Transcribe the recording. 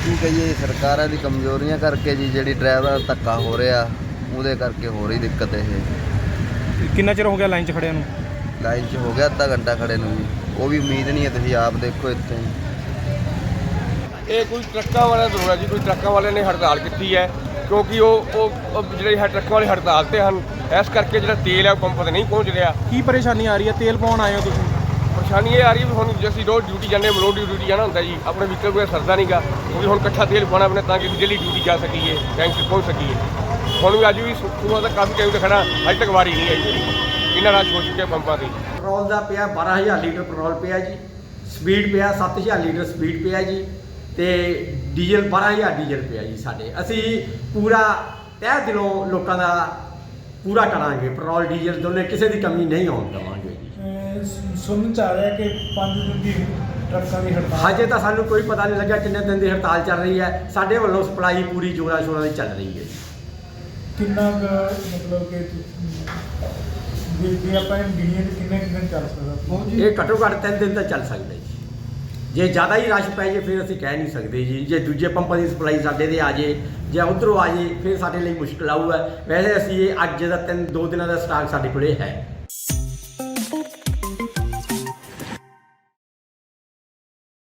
ਕੀ ਕਹੀਏ ਸਰਕਾਰਾਂ ਦੀ ਕਮਜ਼ੋਰੀਆਂ ਕਰਕੇ ਜੀ, ਜਿਹੜੀ ਡਰਾਈਵਰ ਧੱਕਾ ਹੋ ਰਿਹਾ ਉਹਦੇ ਕਰਕੇ ਹੋ ਰਹੀ ਦਿੱਕਤ। ਇਹ ਕਿੰਨਾ ਚਿਰ ਹੋ ਗਿਆ ਲਾਈਨ 'ਚ ਖੜਿਆਂ ਨੂੰ? ਲਾਈਨ 'ਚ ਹੋ ਗਿਆ ਅੱਧਾ ਘੰਟਾ ਖੜੇ ਨੂੰ ਜੀ, ਉਹ ਵੀ ਉਮੀਦ ਨਹੀਂ ਹੈ, ਤੁਸੀਂ ਆਪ ਦੇਖੋ ਇੱਥੇ। ਇਹ ਕੋਈ ਟਰੱਕਾਂ ਵਾਲਿਆਂ ਦਾ ਰੋਲਾ ਜੀ, ਕੋਈ ਟਰੱਕਾਂ ਵਾਲਿਆਂ ਨੇ ਹੜਤਾਲ ਕੀਤੀ ਹੈ ਕਿਉਂਕਿ ਉਹ ਜਿਹੜੇ ਹੈ ਟਰੱਕਾਂ ਵਾਲੇ ਹੜਤਾਲ ਤੇ ਹਨ, ਇਸ ਕਰਕੇ ਜਿਹੜਾ ਤੇਲ ਹੈ ਉਹ ਪੰਪ ਤੇ ਨਹੀਂ ਪਹੁੰਚ ਰਿਹਾ। ਕੀ ਪਰੇਸ਼ਾਨੀ ਆ ਰਹੀ ਹੈ? ਤੇਲ ਪਾਉਣ ਆਏ ਹੋ ਤੁਸੀਂ? ਪਰੇਸ਼ਾਨੀ ਇਹ ਆ ਰਹੀ ਵੀ ਹੁਣ ਅਸੀਂ ਰੋਜ਼ ਡਿਊਟੀ ਜਾਂਦੇ ਹਾਂ, ਰੋਜ਼ ਡਿਊਟੀ ਜਾਣਾ ਹੁੰਦਾ ਜੀ, ਆਪਣੇ ਵਹੀਕਲ ਕੋਈ ਸਰਦਾ ਨਹੀਂਗਾ ਕਿਉਂਕਿ ਹੁਣ ਇਕੱਠਾ ਤੇਲ ਪਾਉਣਾ ਆਪਣੇ ਤਾਂ ਕਿ ਡੇਲੀ ਡਿਊਟੀ ਜਾ ਸਕੀਏ, ਟਾਈਮ 'ਤੇ ਪਹੁੰਚ ਸਕੀਏ। ਹੁਣ ਵੀ ਅੱਜ ਵੀ ਸੁਬਹ ਦਾ ਕਾਫੀ ਟਾਈਮ 'ਤੇ ਖੜਾ, ਅਜੇ ਤੱਕ ਵਾਰੀ ਨਹੀਂ ਆਈ ਜੀ, ਇੰਨਾ ਰਸ਼ ਹੋ ਚੁੱਕਿਆ ਪੰਪਾਂ 'ਤੇ। ਪੈਟਰੋਲ ਦਾ ਪਿਆ 12,000 ਲੀਟਰ ਪੈਟਰੋਲ ਪਿਆ ਜੀ, ਸਪੀਡ ਪਿਆ 7,000 ਲੀਟਰ ਸਪੀਡ ਪਿਆ ਜੀ, ਤੇ ਡੀਜ਼ਲ 12,000 ਡੀਜ਼ਲ ਪਿਆ ਜੀ ਸਾਡੇ। ਅਸੀਂ ਪੂਰਾ ਤਹਿ ਦਿਲੋਂ ਲੋਕਾਂ ਦਾ ਪੂਰਾ ਕਰਾਂਗੇ, ਪੈਟਰੋਲ ਡੀਜ਼ਲ ਦੋਨੇ ਕਿਸੇ ਦੀ ਕਮੀ ਨਹੀਂ ਆਉਣ ਦੇਵਾਂਗੇ ਜੀ। ਸੁਣਨ ਚ ਆ ਰਿਹਾ ਕਿ 5 ਦਿਨ ਦੀ ਟਰੱਕਾਂ ਦੀ ਹੜਤਾਲ। ਹਜੇ ਤਾਂ ਸਾਨੂੰ ਕੋਈ ਪਤਾ ਨਹੀਂ ਲੱਗਿਆ ਕਿੰਨੇ ਦਿਨ ਦੀ ਹੜਤਾਲ ਚੱਲ ਰਹੀ ਹੈ। ਸਾਡੇ ਵੱਲੋਂ ਸਪਲਾਈ ਪੂਰੀ ਜੋਰਾਂ ਸ਼ੋਰਾਂ ਦੀ ਚੱਲ ਰਹੀ ਹੈ। ਕਿੰਨਾ ਕੁ ਮਤਲਬ ਕਿ ਜੇ ਆਪਾਂ ਗਿਣੀਏ ਤਾਂ ਕਿੰਨੇ ਦਿਨ ਚੱਲ ਸਕਦਾ? ਇਹ ਘੱਟੋ ਘੱਟ 3 ਦਿਨ ਤਾਂ ਚੱਲ ਸਕਦਾ ਜੀ। ਜੇ ਜ਼ਿਆਦਾ ਹੀ ਰਸ਼ ਪੈ ਜੇ ਫਿਰ ਅਸੀਂ ਕਹਿ ਨਹੀਂ ਸਕਦੇ ਜੀ। ਜੇ ਦੂਜੇ ਪੰਪਾਂ ਦੀ ਸਪਲਾਈ ਸਾਡੇ ਦੇ ਆ ਜੇ ਜਾਂ ਉੱਧਰੋਂ ਆ ਜੇ ਫਿਰ ਸਾਡੇ ਲਈ ਮੁਸ਼ਕਿਲ ਆਊਗਾ। ਵੈਸੇ ਅਸੀਂ ਇਹ ਅੱਜ ਦਾ 2 ਦਿਨਾਂ ਦਾ ਸਟਾਕ ਸਾਡੇ ਕੋਲੇ ਹੈ।